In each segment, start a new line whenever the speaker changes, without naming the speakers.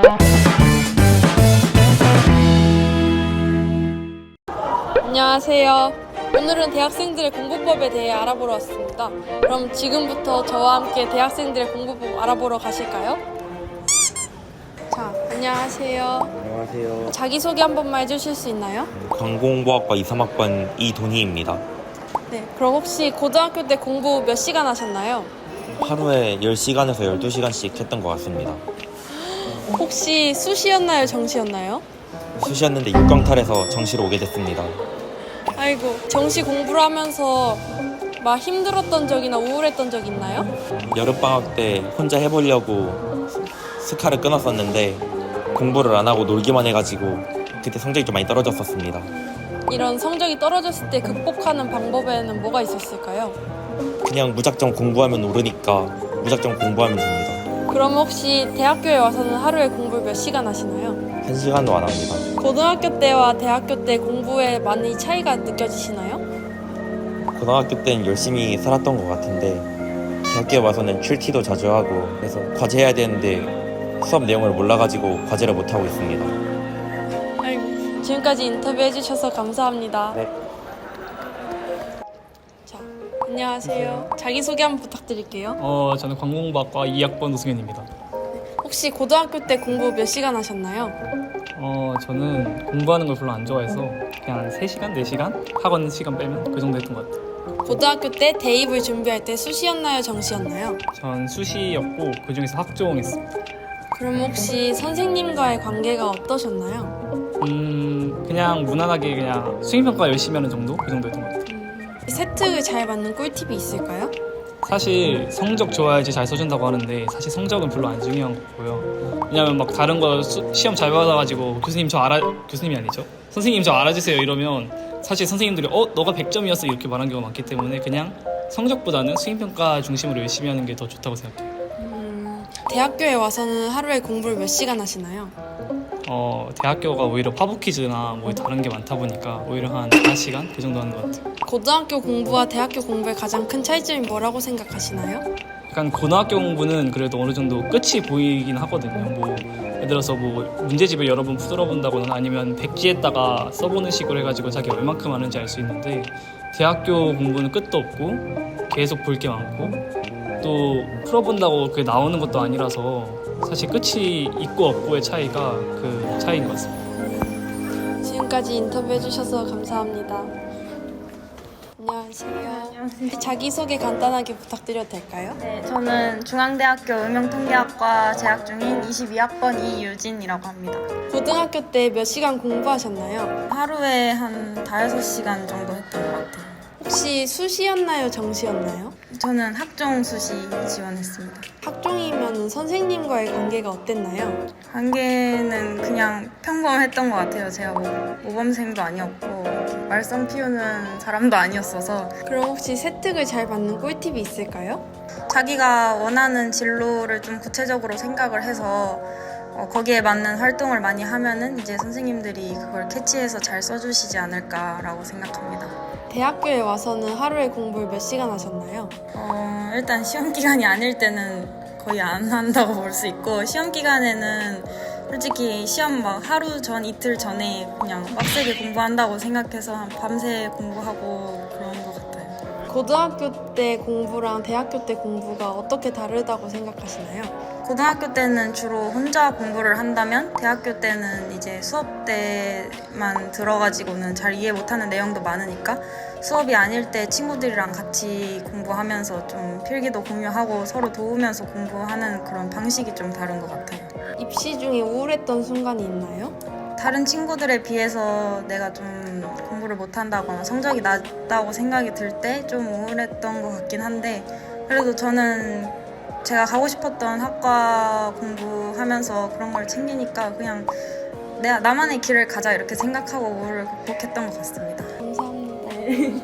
안녕하세요. 오늘은 대학생들의 공부법에 대해 알아보러 왔습니다. 그럼 지금부터 저와 함께 대학생들의 공부법 알아보러 가실까요? 자, 안녕하세요.
안녕하세요.
자기소개 한 번만 해주실 수 있나요?
관공부학과 2, 3학번 이돈희입니다.
네, 그럼 혹시 고등학교 때 공부 몇 시간 하셨나요?
하루에 10시간에서 12시간씩 했던 것 같습니다.
혹시 수시였나요? 정시였나요?
수시였는데 6강탈해서 정시로 오게 됐습니다.
아이고, 정시 공부를 하면서 막 힘들었던 적이나 우울했던 적 있나요?
여름방학 때 혼자 해보려고 스카를 끊었었는데 공부를 안 하고 놀기만 해가지고 그때 성적이 좀 많이 떨어졌었습니다.
이런 성적이 떨어졌을 때 극복하는 방법에는 뭐가 있었을까요?
그냥 무작정 공부하면 오르니까 무작정 공부하면 됩니다.
그럼 혹시 대학교에 와서는 하루에 공부를 몇 시간 하시나요?
1시간도 안 합니다.
고등학교 때와 대학교 때 공부에 많이 차이가 느껴지시나요?
고등학교 때는 열심히 살았던 것 같은데 대학교에 와서는 출티도 자주 하고 그래서 과제해야 되는데 수업 내용을 몰라가지고 과제를 못하고 있습니다.
아이고, 지금까지 인터뷰해 주셔서 감사합니다.
네.
자, 안녕하세요. 자기소개 한번 부탁드릴게요.
저는 관공부학과 2학번 노승현입니다.
혹시 고등학교 때 공부 몇 시간 하셨나요?
저는 공부하는 걸 별로 안 좋아해서 그냥 한 3시간, 4시간? 학원 시간 빼면 그 정도 했던 것 같아요.
고등학교 때 대입을 준비할 때 수시였나요? 정시였나요?
전 수시였고 그중에서 학종했습니다.
그럼 혹시 선생님과의 관계가 어떠셨나요?
그냥 무난하게 그냥 수행평가 열심히 하는 정도? 그 정도 했던 것 같아요.
세특을 잘 맞는 꿀팁이 있을까요?
사실 성적 좋아야지 잘 써준다고 하는데 사실 성적은 별로 안 중요한 거고요. 왜냐면 막 다른 거 시험 잘 받아가지고 교수님이 아니죠. 선생님 저 알아주세요 이러면 사실 선생님들이 너가 100점이었어 이렇게 말하는 경우가 많기 때문에 그냥 성적보다는 수행평가 중심으로 열심히 하는 게 더 좋다고 생각해요.
대학교에 와서는 하루에 공부를 몇 시간 하시나요?
대학교가 오히려 파보 퀴즈나 뭐 다른 게 많다 보니까 오히려 한 4시간 그 정도 하는 것 같아요.
고등학교 공부와 대학교 공부의 가장 큰 차이점이 뭐라고 생각하시나요?
약간 고등학교 공부는 그래도 어느 정도 끝이 보이긴 하거든요. 뭐 예를 들어서 뭐 문제집을 여러 번 풀어본다거나 아니면 백지에다가 써보는 식으로 해가지고 자기가 얼만큼 하는지 알 수 있는데 대학교 공부는 끝도 없고 계속 볼 게 많고 또 풀어본다고 그게 나오는 것도 아니라서 사실 끝이 있고 없고의 차이가 그 차이인 것 같습니다.
지금까지 인터뷰해 주셔서 감사합니다. 안녕하세요. 자기소개 간단하게 부탁드려도 될까요?
네, 저는 중앙대학교 응용통계학과 재학 중인 22학번 이유진이라고 합니다.
고등학교 때 몇 시간 공부하셨나요?
하루에 한 5-6시간 정도 했던 것 같아요.
혹시 수시였나요? 정시였나요?
저는 학종 수시 지원했습니다.
학종이면 선생님과의 관계가 어땠나요?
관계는 그냥 평범했던 것 같아요. 제가 뭐 모범생도 아니었고 말썽 피우는 사람도 아니었어서.
그럼 혹시 세특을 잘 맞는 꿀팁이 있을까요?
자기가 원하는 진로를 좀 구체적으로 생각을 해서 거기에 맞는 활동을 많이 하면은 이제 선생님들이 그걸 캐치해서 잘 써주시지 않을까라고 생각합니다.
대학교에 와서는 하루에 공부를 몇 시간 하셨나요?
일단 시험 기간이 아닐 때는 거의 안 한다고 볼 수 있고 시험 기간에는 솔직히 시험 막 하루 전 이틀 전에 그냥 빡세게 공부한다고 생각해서 한 밤새 공부하고 그런 것 같아요.
고등학교 때 공부랑 대학교 때 공부가 어떻게 다르다고 생각하시나요?
고등학교 때는 주로 혼자 공부를 한다면 대학교 때는 이제 수업 때만 들어가지고는 잘 이해 못하는 내용도 많으니까 수업이 아닐 때 친구들이랑 같이 공부하면서 좀 필기도 공유하고 서로 도우면서 공부하는 그런 방식이 좀 다른 것 같아요.
입시 중에 우울했던 순간이 있나요?
다른 친구들에 비해서 내가 좀 공부를 못한다거나 성적이 낮다고 생각이 들 때 좀 우울했던 것 같긴 한데 그래도 저는 제가 가고 싶었던 학과 공부하면서 그런 걸 챙기니까 그냥 나만의 길을 가자 이렇게 생각하고 우울을 극복했던 것 같습니다.
감사합니다.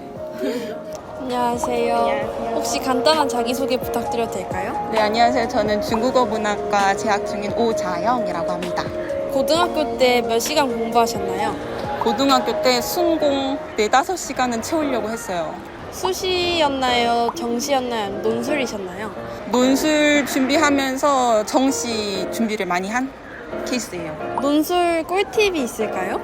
안녕하세요. 혹시 간단한 자기소개 부탁드려도 될까요?
네, 안녕하세요. 저는 중국어 문학과 재학 중인 오자영이라고 합니다.
고등학교 때 몇 시간 공부하셨나요?
고등학교 때 순공 4-5시간은 채우려고 했어요.
수시였나요? 정시였나요? 논술이셨나요?
논술 준비하면서 정시 준비를 많이 한 케이스예요.
논술 꿀팁이 있을까요?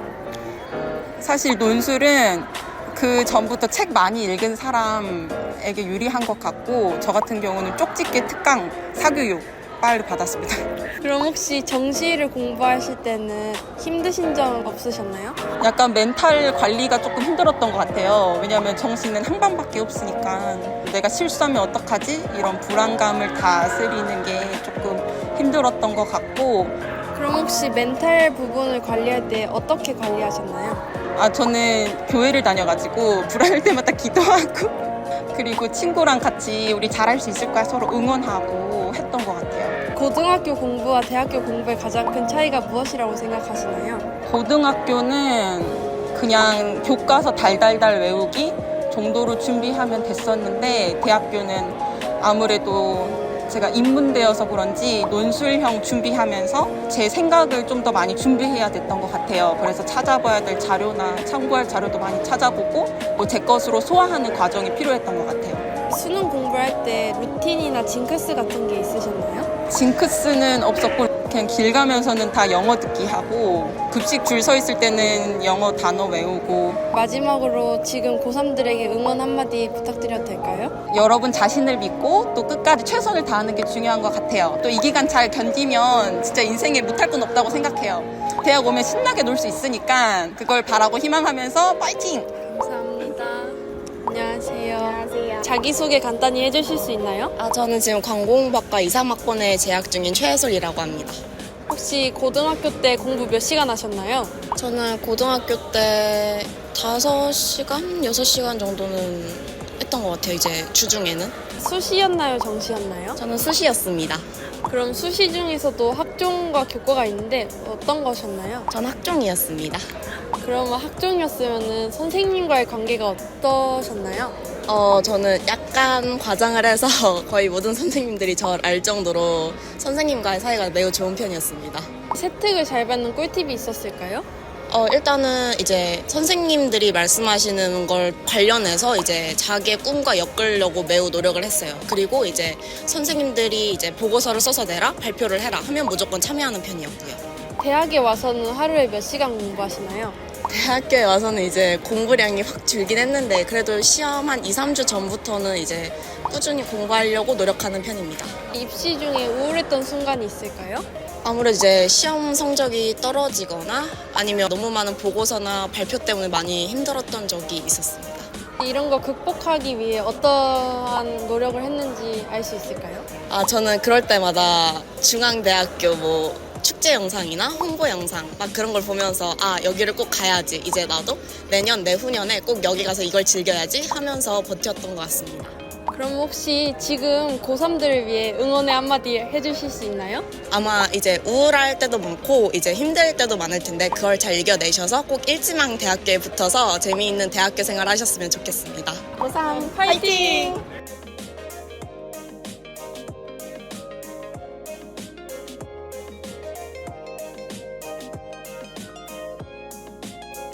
사실 논술은 그 전부터 책 많이 읽은 사람에게 유리한 것 같고 저 같은 경우는 쪽집게 특강 사교육 빨리 받았습니다.
그럼 혹시 정시를 공부하실 때는 힘드신 점 없으셨나요?
약간 멘탈 관리가 조금 힘들었던 것 같아요. 왜냐하면 정시는 한 반밖에 없으니까 내가 실수하면 어떡하지? 이런 불안감을 다스리는 게 조금 힘들었던 것 같고
그럼 혹시 멘탈 부분을 관리할 때 어떻게 관리하셨나요?
저는 교회를 다녀가지고 불안할 때마다 기도하고 그리고 친구랑 같이 우리 잘할 수 있을 거야 서로 응원하고 했던 것 같아요.
고등학교 공부와 대학교 공부의 가장 큰 차이가 무엇이라고 생각하시나요?
고등학교는 그냥 교과서 달달달 외우기 정도로 준비하면 됐었는데 대학교는 아무래도 제가 인문대여서 그런지 논술형 준비하면서 제 생각을 좀 더 많이 준비해야 됐던 것 같아요. 그래서 찾아봐야 될 자료나 참고할 자료도 많이 찾아보고 뭐 제 것으로 소화하는 과정이 필요했던 것 같아요.
수능 공부할 때 루틴이나 징크스 같은 게 있으셨나요?
징크스는 없었고 그냥 길 가면서는 다 영어 듣기 하고 급식 줄 서 있을 때는 영어 단어 외우고
마지막으로 지금 고3들에게 응원 한마디 부탁드려도 될까요?
여러분 자신을 믿고 또 끝까지 최선을 다하는 게 중요한 것 같아요. 또 이 기간 잘 견디면 진짜 인생에 못할 건 없다고 생각해요. 대학 오면 신나게 놀 수 있으니까 그걸 바라고 희망하면서 파이팅!
감사합니다. 안녕하세요. 자기소개 간단히 해주실 수 있나요?
저는 지금 광공학과 2, 3학번에 재학 중인 최혜솔이라고 합니다.
혹시 고등학교 때 공부 몇 시간 하셨나요?
저는 고등학교 때 5시간, 6시간 정도는 했던 것 같아요, 이제 주중에는.
수시였나요? 정시였나요?
저는 수시였습니다.
그럼 수시 중에서도 학종과 교과가 있는데 어떤 것이었나요?
전 학종이었습니다.
그러면 학종이었으면 선생님과의 관계가 어떠셨나요?
저는 약간 과장을 해서 거의 모든 선생님들이 저를 알 정도로 선생님과의 사이가 매우 좋은 편이었습니다.
세특을 잘 받는 꿀팁이 있었을까요?
일단은 이제 선생님들이 말씀하시는 걸 관련해서 이제 자기의 꿈과 엮으려고 매우 노력을 했어요. 그리고 이제 선생님들이 이제 보고서를 써서 내라, 발표를 해라 하면 무조건 참여하는 편이었고요.
대학에 와서는 하루에 몇 시간 공부하시나요?
대학교에 와서는 이제 공부량이 확 줄긴 했는데 그래도 시험 한 2, 3주 전부터는 이제 꾸준히 공부하려고 노력하는 편입니다.
입시 중에 우울했던 순간이 있을까요?
아무래도 이제 시험 성적이 떨어지거나 아니면 너무 많은 보고서나 발표 때문에 많이 힘들었던 적이 있었습니다.
이런 거 극복하기 위해 어떠한 노력을 했는지 알 수 있을까요?
저는 그럴 때마다 중앙대학교 축제 영상이나 홍보 영상 막 그런 걸 보면서 여기를 꼭 가야지, 이제 나도 내년 내후년에 꼭 여기 가서 이걸 즐겨야지 하면서 버텼던 것 같습니다.
그럼 혹시 지금 고3들을 위해 응원의 한마디 해주실 수 있나요?
아마 이제 우울할 때도 많고 이제 힘들 때도 많을 텐데 그걸 잘 이겨내셔서 꼭 일지망 대학교에 붙어서 재미있는 대학교 생활 하셨으면 좋겠습니다.
고3 파이팅!